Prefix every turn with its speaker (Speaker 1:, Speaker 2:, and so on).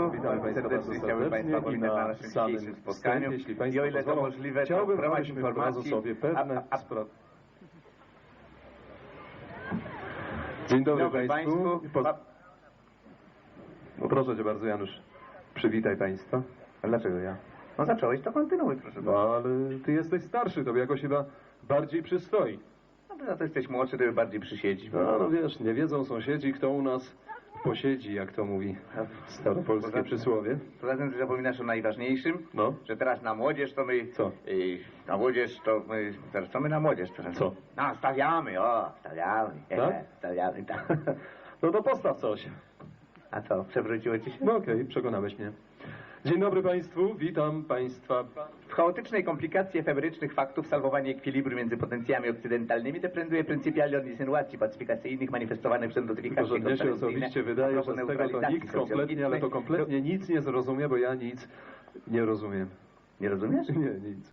Speaker 1: Państwu,
Speaker 2: Witam Państwa bardzo
Speaker 1: chciałbym Państwa
Speaker 2: serdecznie i
Speaker 1: powitać na
Speaker 2: na
Speaker 1: naszym
Speaker 2: samym
Speaker 1: dzisiejszym spotkaniu.
Speaker 2: wstępie, jeśli
Speaker 1: I
Speaker 2: Państwo
Speaker 1: o ile to
Speaker 2: pozwolą,
Speaker 1: możliwe, to
Speaker 2: chciałbym,
Speaker 1: w ramach
Speaker 2: abyśmy od razu
Speaker 1: informacji...
Speaker 2: sobie pewne sprawy... Dzień dobry Państwu. Proszę Cię bardzo, Janusz, przywitaj Państwa.
Speaker 1: A dlaczego ja? No zacząłeś, to kontynuuj, proszę bardzo.
Speaker 2: No, ale Ty jesteś starszy, Tobie jakoś chyba bardziej przystoi.
Speaker 1: No to za to jesteś młodszy, to bardziej przysiedzisz.
Speaker 2: No wiesz, nie wiedzą sąsiedzi, kto u nas posiedzi, jak to mówi staropolskie przysłowie.
Speaker 1: Poza tym, że zapominasz o najważniejszym,
Speaker 2: No.
Speaker 1: że teraz na młodzież to my...
Speaker 2: Co?
Speaker 1: Na młodzież to my... Teraz co my na młodzież teraz?
Speaker 2: Co?
Speaker 1: No, stawiamy, stawiamy.
Speaker 2: Tak?
Speaker 1: Stawiamy, tak.
Speaker 2: No to postaw coś.
Speaker 1: A co, przewróciło ci się?
Speaker 2: No okej, przekonałeś mnie. Dzień dobry Państwu, witam Państwa.
Speaker 1: W chaotycznej komplikacji efemerycznych faktów salwowanie ekwilibru między potencjami okcydentalnymi deprenduje pryncypialnie od insynuacji pacyfikacyjnych manifestowanych przez
Speaker 2: Tylko,
Speaker 1: notyfikacje
Speaker 2: że mnie się osobiście wydaje, że z tego to nikt kompletnie, ale to kompletnie nic nie zrozumie, bo ja nic nie rozumiem.
Speaker 1: Nie rozumiesz?
Speaker 2: Nie, nic.